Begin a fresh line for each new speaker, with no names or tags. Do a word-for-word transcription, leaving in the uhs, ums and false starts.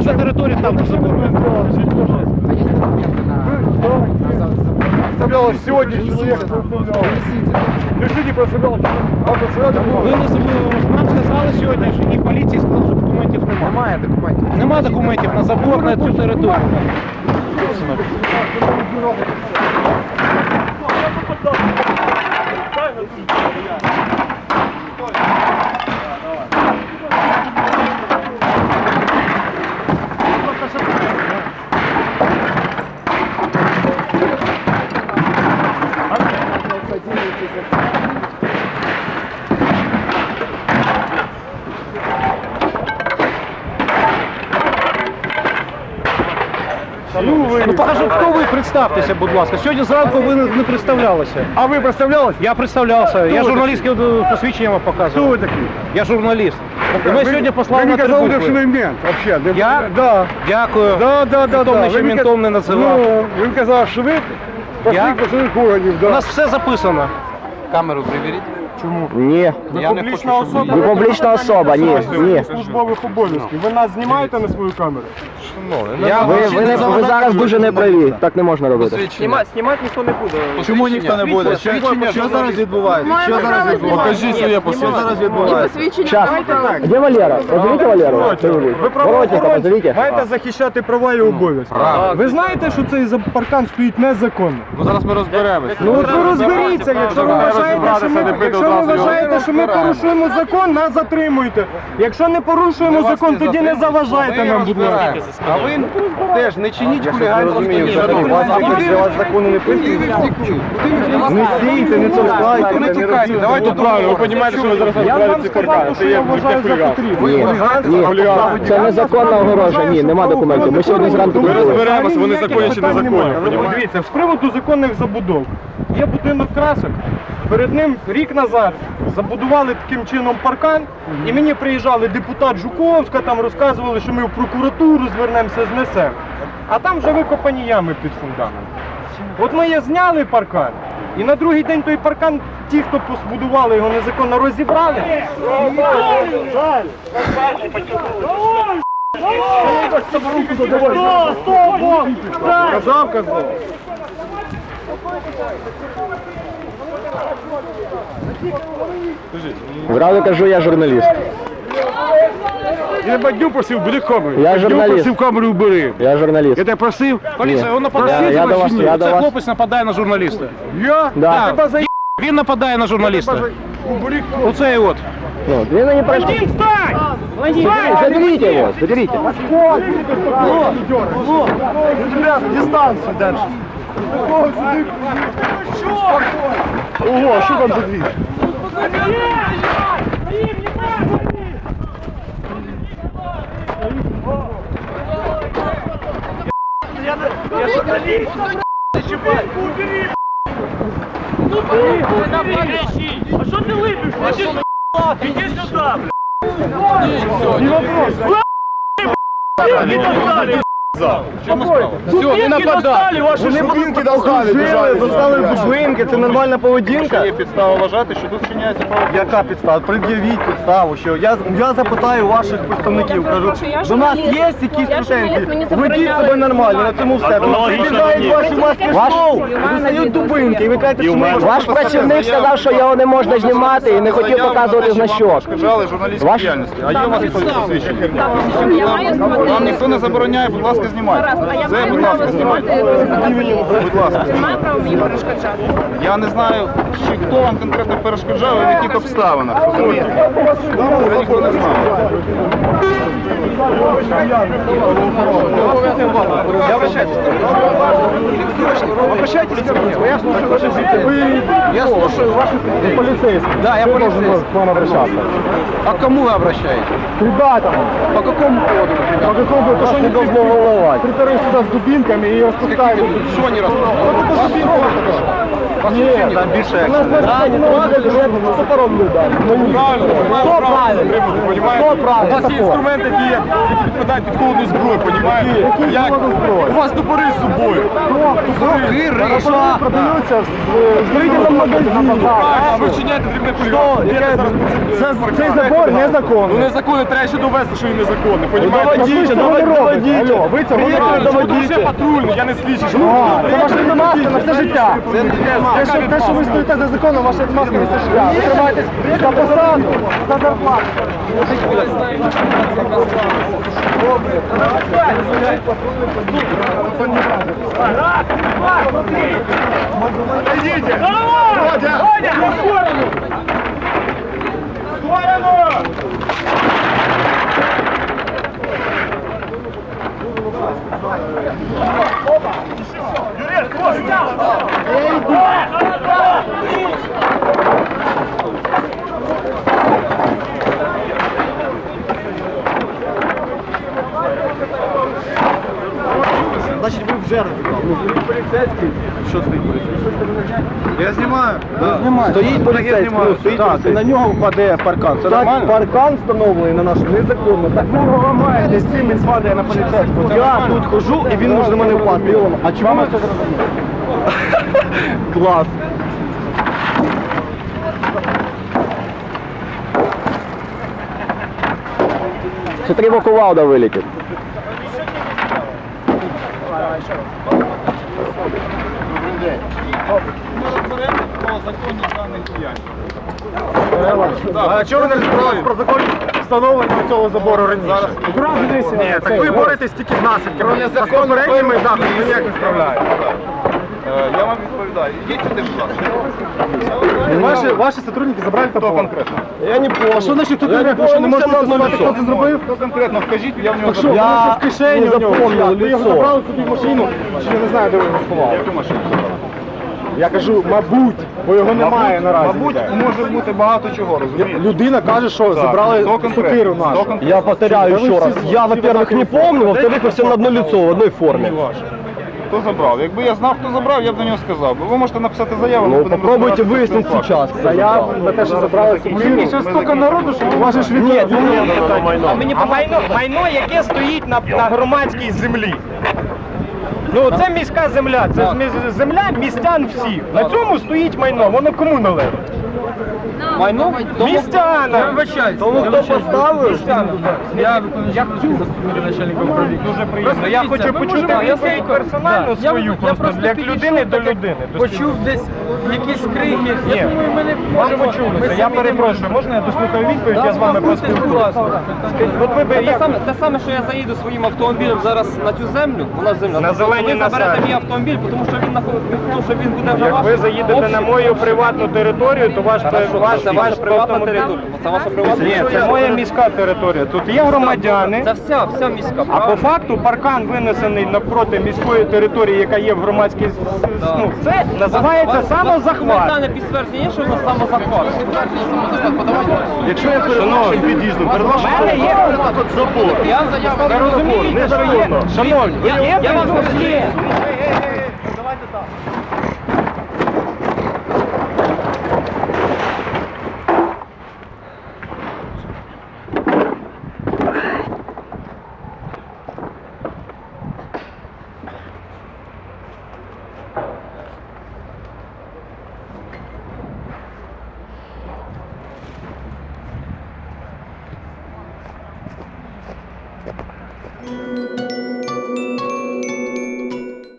ваша територія там за забором.
Представлялось сегодня человек. Решите представлялось.
Ви не забули, нам сказали сьогодні, що і поліції сказали, що документів немає.
Немає документів.
Нема документів на забор на цю територію. Ну покажи, хто ви, представтеся, будь ласка. Сьогодні зранку ви не представлялися.
А вы представлялись?
Я представлявся, я
ви
журналістське посвідчення вам
Кто
показував.
вы такие?
Я журналіст. І ми сьогодні послали
Вы
на
не
три
казалось,
букви.
что вы мент вообще.
Я?
Да.
Дякую.
Да, да, да,
Ніхто
да.
мене ще
Вы не
ментом
ка-
не називав.
Ну, вы казали, что вы
Я?
пошли по своих органів,
У
да.
нас все записано.
Камеру приберіть.
Чому?
Ні.
Я не хочу, щоб ви...
Ви публічна особа, ні, ні.
Службових обов'язків. Ви нас знімаєте на свою камеру?
Я
Ви, ви, не, ви зараз дуже неправі, так не можна робити.
Знімати, знімати ніхто не буде.
Чому ніхто не буде? Що, що зараз відбувається? Що зараз відбувається? Покажи своє посвідчення. Що зараз відбувається?
Час. Де Валера? Позовите Валеру?
Ви
Воротника позовите.
маєте захищати права і обов'язки. Ви знаєте, що цей за- паркан стоїть незаконно?
Ну зараз ми розберемося.
Ну от ви розберіться, якщо ви вважаєте, що ми, якщо ви вважаєте, що ми порушуємо закон, нас затримуйте. Якщо не порушуємо закон, тоді не заважайте нам, будь ласка.
А ви теж не чиніть хуліганство.
Для вас закону не пишуть. Не стійте, не толкайте, не тікайте.
Давайте правильно, ви розумієте, що ви зараз
Я вам сказав, що я вважаю за потрібне.
Ні, ні. Це незаконна огорожа, ні, нема документів. Ми сьогодні зранку
Ми
прибули.
розберемося, вони законні чи незаконні.
Дивіться, з приводу законних забудов. Є будинок красок, перед ним рік назад забудували таким чином паркан, і мені приїжджали депутат Жуковська, там розказували, що ми в прокуратуру звернемося, знесемо. А там вже викопані ями під фундамент. От ми її зняли паркан, і на другий день той паркан, ті, хто побудували його незаконно, розібрали. Казав, казав.
Зразу кажу, я журналіст.
Я бадню просив, бери камеру.
Я
Бадню
журналіст.
просив камеру убери.
Я журналіст.
Я тебе просив?
Поліція, він нападає.
Я, я до вас, я до
Це
вас.
хлопець нападає на журналіста.
Я?
Да.
Тебе за...
Він нападає на журналіста.
Убери
Оцей от.
Ну, він не пройшов. Заберите его, заберите.
Дистанцию дальше. Ого, что там за движ?
А що ти липиш? Іди сюди!
Не вопрос.
Все, не нападай.
Вони будинки достали, достали бублинки, це нормальна поведінка.
Є підстава вважати, що тут вчиняється правопорушення.
Яка підстава? Пред'явіть підставу, що я, я запитаю ваших представників, кажу, до нас є якісь претензії? Ведіть себе нормально, на цьому все. Підбігають ваші маски шоу, достають дубинки, і ви кажете, що ми...
Ваш працівник сказав, що його не можна знімати і не хотів показувати значок.
Перешкоджали журналістській
Ваш-
діяльності. А є у вас якісь посвідчення?
Я маю смотреть.
Вам ніхто не забороняє, будь ласка, знімайте. Це, будь ласка, знімайте. Будь ласка,
Немає права мені перешкоджати.
я не знаю, чи хто вам конкретно перешкоджав і в яких обставинах. Дозвольте. Це ніхто не знає.
Я обращайтесь. Обращайтесь ко мне. Я слушаю ваши жители.
Я слушаю ваших
Полицейский.
Да, я
должен
полицейский.
к вам обращаться.
А к кому вы обращаетесь?
К ребятам.
По какому поводу?
По какому поводу? Что не должно волновать? Приторы сюда с дубинками и распускают.
Что не распускают? Ні, там більше.
У вас є інструмент, який є, які підпадають під холодну зброю, понімаєте? Як? У вас топори з собою.
Продаються в зрительному магазині.
А ви вчиняєте дрібне хуліганство.
Цей забор
Ну
незаконний.
незаконно, треба ще довести, що він незаконний, понімаєте?
Доведіть, доведіть. Алло, ви цього не
Чому
доведіть.
ще патрульний, я не слідчий, що ви
Це ваша відмазка на все життя. Те, що, те, що ви стоїте за законом, ваша відмазка на все життя. Ви тримаєтесь за посаду, за зарплату. Значить, ви вже розібрали. Поліцейський. Що стоїть поліцейський?
Я знімаю.
Стоїть поліцейський, ну, стоїть поліцейський. На нього впаде паркан. Це нормально? Паркан встановлений на нашому незаконно. Так ви його ламаєте, з цим він падає на поліцейського. Я тут хожу і він може на мене впасти. А чому ви це зробили? Клас.
Ще треба кувалда вилетить.
А чого ви не розібралися про закон встановлення цього забору раніше? Ні, так ви боретесь тільки з наслідками. З попередніми заходами ви ніяк не справляєтесь.
Я вам відповідаю. Ідіть сюди, будь ласка.
Ваші, ваші сотрудники забрали
Хто
топор.
конкретно?
Я не понял. А що значить тут конкретно? Що не можете назвати, хто це зробив?
Хто конкретно? Вкажіть, я в нього
Так що,
заберу.
воно ще в кишені
не
у нього.
запомнив
Ви його
лицо.
забрали собі в машину, чи я не знаю, де ви його сховали.
Яку машину?
Я кажу, мабуть, бо його немає наразі.
Мабуть,
ніде.
може бути багато чого, розумієте?
Людина каже, що
Так,
забрали
хто конкретно?
сокиру
Хто
нашу.
конкретно?
Я повторяю
Да вы
еще раз.
все-
Я,
все
во-первых, не
одинаковые.
помню, во-вторых, вы все на одно лицо, в одной форме.
Хто забрав? Якби я знав, хто забрав, я б до нього сказав. Ви можете написати заяву, ми
Ну,
будемо
попробуйте
розбиратися з
выяснить
цим
сейчас.
фактом.
кто
Заяву
забрал.
на те, що забрали сокиру.
Ще стільки народу, що у вас же ж від...
Нет, ну, нет,
А мені по майно, майно, яке стоїть на, на громадській землі. Ну, це міська земля, це ж міс- земля містян всіх. На цьому стоїть майно, воно кому належить?
Майно?
Містянам!
Тому хто поставив?
Я заступник начальника управління. Дуже приємно. Я хочу почути відповідь персонально свою, просто як людини до людини.
Почув десь якісь крики.
Ні,
Я думаю, мене
може ви чулися. Я перепрошую, можна я дослухаю відповідь, я з вами поспілкуюся. От ви би
Те
як...
саме, те саме, що я заїду своїм автомобілем зараз на цю землю, у нас земля.
На зеленій
ви заберете
насаді.
мій автомобіль, тому що він наход- тому що він буде на
Як ви заїдете на мою приватну територію, то ваш, ваш,
це
ваш
ваша приватна
автомобіль...
територія. Це ваша приватна
Ні, це моя міська територія. Тут є громадяни.
Це вся, вся міська.
А по
правильно?
факту паркан винесений навпроти міської території, яка є в громадській... Ну, це називається самозахват.
Документальне підтвердження є, що на самозахват.
Якщо я перед під'їздом, перед вашим
У мене є
от забор.
Я
Ви розумієте, що є? Шановні,
я, я вас
є.